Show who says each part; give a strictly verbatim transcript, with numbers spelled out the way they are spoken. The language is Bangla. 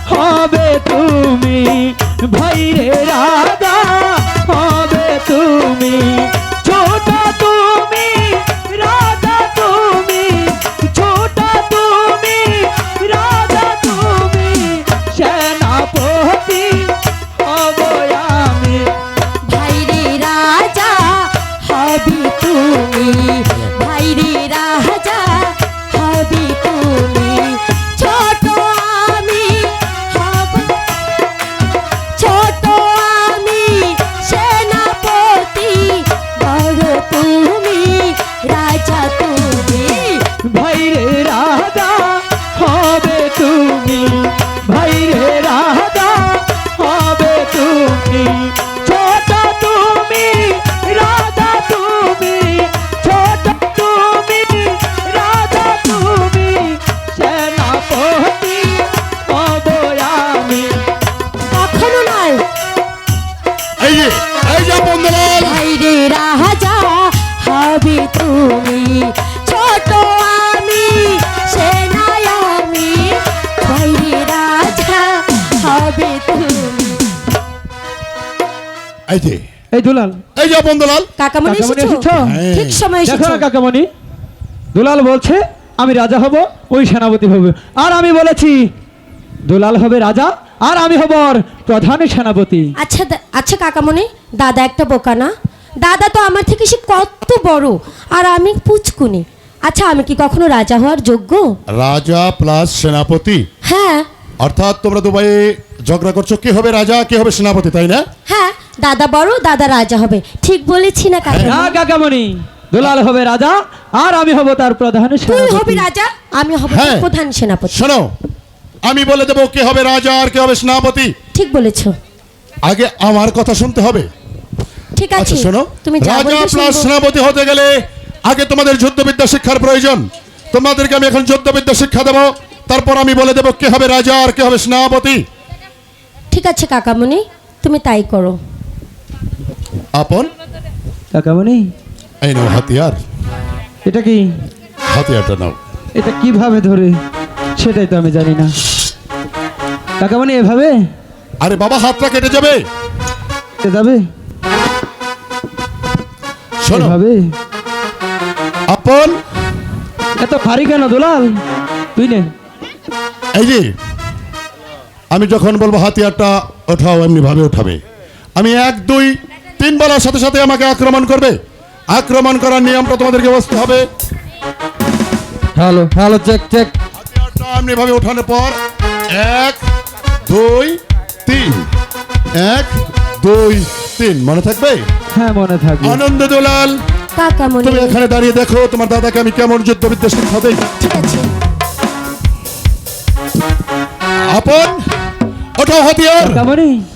Speaker 1: হবে তুমি, ভাইরে রাজা হবে তুমি, ছোট তুমি রাজা তুমি, ছোট তুমি রাজা তুমি, সেনাপতি হব আমি।
Speaker 2: ভাইরে রাজা হবি তুমি, ভাইরে রাজা হবি তুমি, ছোট আমি হব, ছোট আমি সেনাপতি, বড় তুমি রাজা তুমি।
Speaker 1: ভাইরে রাজা হবে তুমি, ভাইরে রাজা হবে তুমি, ছোট তুমি রাজা তুমি, ছোট তুমি রাজা তুমি, সেনাপতি হব আমি।
Speaker 2: কখনো নয়।
Speaker 3: এই যে এই যে বন্ধুলাল,
Speaker 2: ভাইরে রাজা হবি তুমি, ছোট আমি সেনায় আমি, ভাইরে রাজা হবি তুমি।
Speaker 3: এই যে
Speaker 1: এই দুলাল,
Speaker 3: এই যে বন্ধুলাল,
Speaker 2: কাকামণি
Speaker 1: কাকামণি
Speaker 2: এসেছো?
Speaker 1: এসেছো?
Speaker 2: ঠিক সময়
Speaker 1: দেখো
Speaker 2: এসেছো।
Speaker 1: না কাকামণি, দুলাল বলছে আমি রাজা হব, ওই সেনাপতি হবে, আর আমি বলেছি দুলাল হবে রাজা আর আমি হব ওর প্রধান সেনাপতি।
Speaker 2: আচ্ছা দা- আচ্ছা কাকামণি, দাদা একটা বোকা না? দাদা তো আমার থেকে সে কত বড়, আর আমি পুচকুনি। আচ্ছা আমি কি কখনো রাজা হওয়ার যোগ্য?
Speaker 3: রাজা প্লাস সেনাপতি,
Speaker 2: হ্যাঁ
Speaker 3: অর্থাৎ তোমরা দুবাই ঝগড়া করছো কে হবে রাজা কে হবে সেনাপতি, তাই না?
Speaker 2: হ্যাঁ, দাদা বড়, দাদা রাজা হবে, ঠিক বলেছি না
Speaker 1: না
Speaker 2: কাকামণি?
Speaker 1: কাকামণি, দুলাল হবে রাজা আর আমি হব তার প্রধান
Speaker 2: তুই হবি
Speaker 1: সেনাপতি।
Speaker 2: রাজা, আমি হব তোর
Speaker 3: হ্যাঁ।
Speaker 2: প্রধান সেনাপতি।
Speaker 3: শোনো, আমি বলে দেবো কে হবে রাজা আর কে হবে সেনাপতি।
Speaker 2: ঠিক বলেছো।
Speaker 3: আগে আমার কথা শুনতে হবে।
Speaker 2: ঠিক আছে,
Speaker 3: আচ্ছা শোনো,
Speaker 2: তুমি যা
Speaker 3: রাজা
Speaker 2: বলবে
Speaker 3: প্লাস
Speaker 2: শুনবো।
Speaker 3: সেনাপতি হতে গেলে আগে তোমাদের যুদ্ধবিদ্যা শিক্ষার প্রয়োজন। তোমাদেরকে আমি এখন যুদ্ধবিদ্যা শিক্ষা দেবো, তারপর আমি বলে দেবো কে হবে রাজা আর কে হবে সেনাপতি।
Speaker 2: ঠিক আছে কাকামণি, তুমি তাই করো।
Speaker 3: আপন
Speaker 1: কাকামণি,
Speaker 3: এই নাও হাতিয়ার,
Speaker 1: এটা কি?
Speaker 3: হাতিয়ারটা নাও।
Speaker 1: এটা কিভাবে ধরে সেটাই তো আমি জানি না। কাকামণি এভাবে
Speaker 3: আরে বাবা, হাতটা কেটে যাবে।
Speaker 1: এ যাবে?
Speaker 3: শোনো
Speaker 1: এভাবে?
Speaker 3: আপন,
Speaker 1: এত ভারী কেন দুলাল? তুই নে।
Speaker 3: এই যে আমি যখন বলবো হাতিয়ারটা ওঠাও, এমনি ভাবে উঠাবে। আমি এক দুই তিন বলার সাথে সাথে আমাকে আক্রমণ করবে। আক্রমণ করার নিয়মটা তোমাদেরকে বুঝতে হবে।
Speaker 1: Hello hello, check check.
Speaker 3: হাতিয়ারটা এমনি ভাবে ওঠানোর পর এক দুই তিন, এক দুই তিন, মনে থাকবে?
Speaker 1: হ্যাঁ মনে থাকবে।
Speaker 3: আনন্দ দুলাল,
Speaker 2: কাকামণি
Speaker 3: তুমি এখানে দাঁড়িয়ে দেখো তোমার দাদাকে আমি কেমন যুদ্ধবিদ্যা শিক্ষা দেই।
Speaker 2: ঠিক আছে।
Speaker 3: আপন ওঠাও হাতিয়ার।
Speaker 1: কাকামণি